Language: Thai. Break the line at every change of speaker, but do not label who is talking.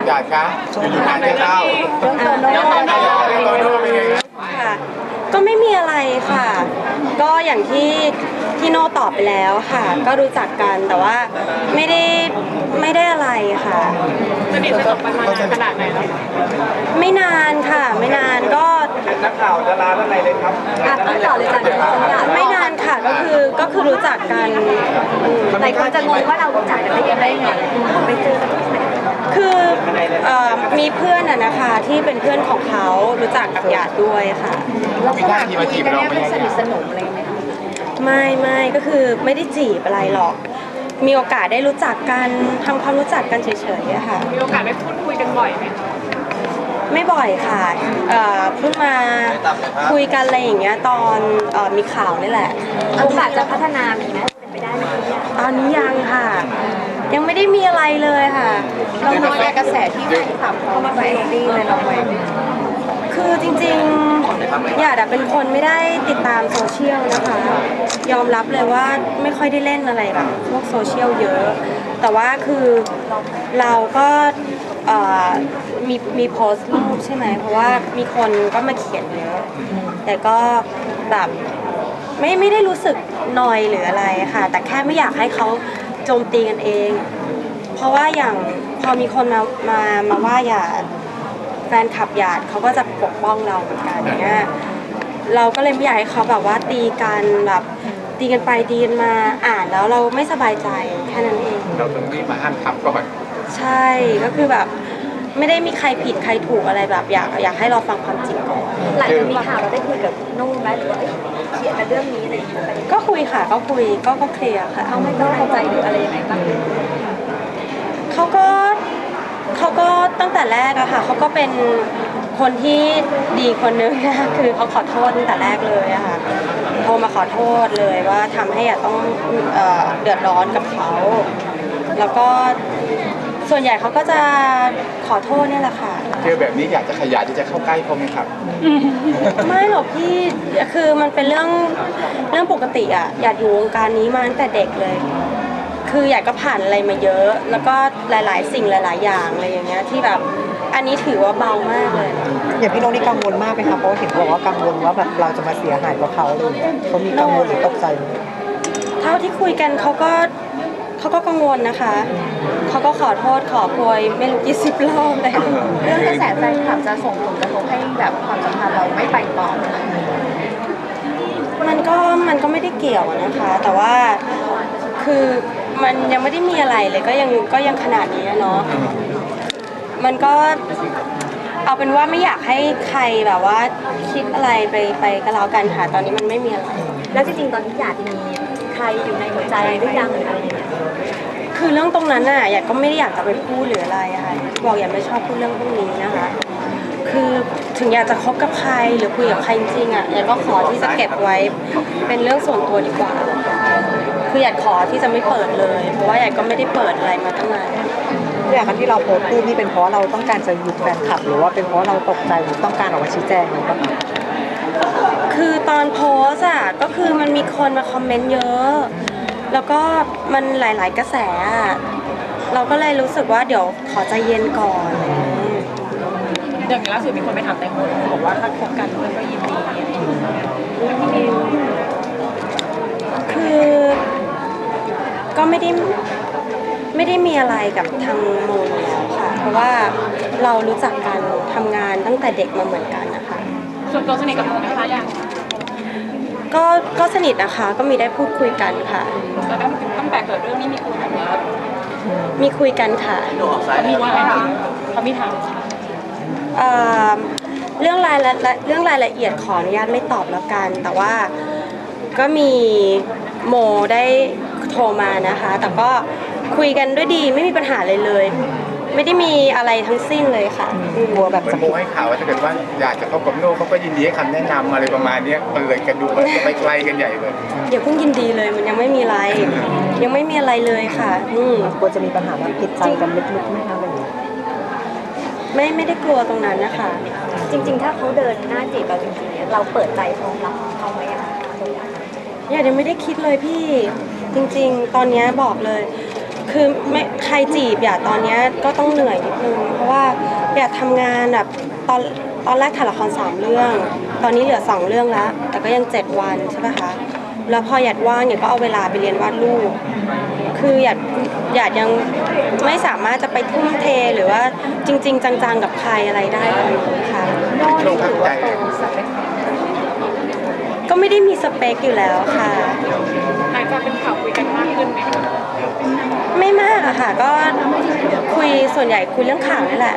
อยากคะอยู่งานจะเข้า
เรื่องโตโน่
โตโน่เป็นไงครับ
ค่ะก็ไม่มีอะไรค่ะ ก็อย่างที่โน่ตอบไปแล้วค่ะ ก็รู้จักกันแต่ว่าไม่ได้อะไรค่ะ
สนิทสนมกันมานานขนาดไหนแล้ว
ไม่นานค่ะ ไม่นานก็
นักข่าวดาราท่านไหนเลยครับ
ต้องต่อเลยจ้ะ
ไม่นานค่ะก็คือรู้จักกัน
หลายคนจะงงว่าเรารู้จักกันได้ยังไงไปเจอกันที่ไหน
คือมีเพื่อนอะนะคะที่เป็นเพื่อนของเขารู้จักกับหยาดด้วยค่ะ
เราก็ถามคุยกันเนี่ยเป็นสนิทสนมอะไรไหมคะ
ไม่ก็คือไม่ได้จีบอะไรหรอก มีโอกาสได้รู้จักกันทำความรู้จักกันเฉยๆอะค่ะ
มีโอกาสได้พูดคุยกันบ่อยไหมคะ
ไม่บ่อยค่ะเพิ่งมาคุยกันอะไรอย่างเงี้ยตอนมีข่าวนี่แหละ
โอกาสจะพัฒนามีไหมเป็นไปได้ไหมเนี่ย
ตอนนี้ยังค่ะ ยังไม่ได้มีอะไรเลยค่ะ
เราน้อยแต่กระแสที่แฟนคลับเขามาแฝงดีเลยเราไป
คือจริงๆหยาดอะเป็นคนไม่ได้ติดตามโซเชียลนะคะ ยอมรับเลยว่าไม่ค่อยได้เล่นอะไรแบบพวกโซเชียลเยอะ แต่ว่าคือเราก็มีโพสต์รูปใช่ไหมเพราะว่ามีคนก็มาเขียนเยอะ แต่ก็แบบไม่ได้รู้สึกนอยหรืออะไรค่ะ แต่แค่ไม่อยากให้เขาโจมตีกันเอง เพราะว่าอย่างพอมีคนมาว่าหยาดแฟนคลับหยาดเขาก็จะปกป้องเราเหมือนกันเนี้ยเราก็เลยไม่อยากให้เขาแบบว่าตีกันแบบตีกันไปตีกันมาอ่านแล้วเราไม่สบายใจแค่นั้นเอง
เราต้องรีบมาห้ามขับก่อน
ใช่ก็คือแบบไม่ได้มีใครผิดใครถูกอะไรแบบอยากให้เราฟังความจริงก่อน
หลังจากมีข่าวเราได้คุยกับนุ่มไหมหรือว่าเขียนกันเรื่องนี้อะไรอย่างเงี้ย
ก็คุยค่ะก็คุยก็เคลียร์ค่ะ
เขาไม่ต้องใจหรืออะไรยังไงบ้าง
เขาก็ตั้งแต่แรกอะค่ะเขาก็เป็นคนที่ดีคนนึงนะคะคือเขาขอโทษตั้งแต่แรกเลยอะค่ะโทรมาขอโทษเลยว่าทำให้อยากต้องเดือดร้อนกับเขา แล้วก็ส่วนใหญ่เขาก็จะขอโทษเนี่ยแหละค่ะ
เจอแบบนี้อยากจะขยายที่จะเข้าใกล้เขาไหมครับ
ไม่หรอกพี่คือมันเป็นเรื่องปกติอะอยากอยู่วงการนี้มาตั้งแต่เด็กเลย คืออยากก็ผ่านอะไรมาเยอะ แล้วก็หลายๆ สิ่งหลาย ๆ อย่างอะไรอย่างเงี้ยที่แบบอันนี้ถือว่าเบามากเลย
อย่างพี่โน้ตนี่กังวลมากไหมคะเพราะว่าเห็นบอกว่ากังวลว่าแบบเราจะมาเสียหายกับเขาเลยเขามีกังวลหรือตกใจไหม
เท่าที่คุยกันเขาก็กังวลนะคะเขาก็ขอโทษขอโพยไม่รู้กี่สิบรอบเลย
เรื่องกระแสแฟนคลับจะส่งผลกระทบให้แบบความสัมพันธ์เราไม่ไปต่อไหมคะ
มันก็ไม่ได้เกี่ยวอะนะคะ แต่ว่าคือมันยังไม่ได้มีอะไรเลยก็ยังขนาดนี้อะเนาะมันก็เอาเป็นว่าไม่อยากให้ใครแบบว่าคิดอะไรไปก็แล้วกันค่ะตอนนี้มันไม่มีอะไร
แล้วจริงๆตอนนี้อยากมีใครอยู่ในหัวใจหรือยังหรืออะไรอย่างเงี้ย
คือเรื่องตรงนั้นน่ะอยากก็ไม่ได้อยากจะไปพูดหรืออะไรอะค่ะบอกอยากไม่ชอบพูดเรื่องพวกนี้นะคะ คือถึงอยากจะคบกับใครหรือคุยกับใครจริงๆอะอยากก็ขอที่จะเก็บไว้เป็นเรื่องส่วนตัวดีกว่า คืออยากขอที่จะไม่เปิดเลย เพราะว่าอยากก็ไม่ได้เปิดอะไรมาตั้งนาน
อย่างที่เราโพสต์รูปนี่เป็นเพราะเราต้องการจะหยุดแฟนคลับ หรือว่าเป็นเพราะเราตกใจหรือต้องการออกมาชี้แจงอะไรบ้างคะ
คือตอนโพสต์อะก็คือมันมีคนมาคอมเมนต์เยอะ แล้วก็มันหลายๆกระแสอะเราก็เลยรู้สึกว่าเดี๋ยวขอใจเย็นก่อน
อย่างล่าสุดมีคนไปถามแตงโมบอกว่าถ้าคบกันก็ยินดี
คือก็ไม่ได้มีอะไรกับทางโมอยู่แล้วค่ะ เพราะว่าเรารู้จักกันทำงานตั้งแต่เด็กมาเหมือนกันนะคะ
ส่วนตัวสนิทกับโมไหมคะยัง
ก็สนิทนะคะ ก็มีได้พูดคุยกันค่ะ
แล้วตั้งแต่เกิดเรื่องนี้มีคุยกันไหม
มีคุยกันค่ะ
เขามีว่าอะไรเขามีถาม
เอ่อเรื่องรายละเอียดขออนุญาตไม่ตอบแล้วกัน แต่ว่าก็มีโมได้โทรมานะคะ แต่ก็คุยกันด้วยดีไม่มีปัญหาเลยเลย ไม่ได้มีอะไรทั้งสิ้นเลยค่ะ
กลัวแบบ
เหมือนโมให้ข่าวว่าถ้าเกิดว่าอยากจะเข้ากับโน่เขาก็ยินดีให้คำแนะนำอะไรประมาณเนี้ยมันเลยกันดูมันก็ไปไกลกันใหญ่เลย
อย่าเพิ่งยินดีเลยมันยังไม่มีอะไร ยังไม่มีอะไรเลยค่ะ
กลัวจะมีปัญหาแบบผิดใจกันลึกๆไหมคะอะไรอย่างเงี้ย
ไม่ได้กลัวตรงนั้นนะคะ
จริงๆถ้าเขาเดินหน้าจีบเราจริงๆเราเปิดใจพร้อมรับเขาไหมอะ
ยังไม่ได้คิดเลยพี่จริงๆ ตอนนี้บอกเลย คือไม่ใครจีบอย่าตอนนี้ก็ต้องเหนื่อยนิดนึงเพราะว่าอยากทำงานแบบตอนแรกถ่ายละคร3 เรื่อง ตอนนี้เหลือ2 เรื่องแล้ว แต่ก็ยัง7 วันใช่ไหมคะแล้วพอหยัดว่างหยัดก็เอาเวลาไปเรียนวาดรูปคือหยัดยังไม่สามารถจะไปทุ่มเทหรือว่าจริง ๆ จังๆกับใครอะไรได้เลยค่ะ
ช่วงพักใจ
ก็ไม่ได้มีสเปคอยู่แล้วค่ะ
หลังจากเป็นข่าวคุยกันมากขึ้นไหมคะ
ไม่มากอะค่ะ ก็คุยส่วนใหญ่คุยเรื่องข่าวนี่แหละ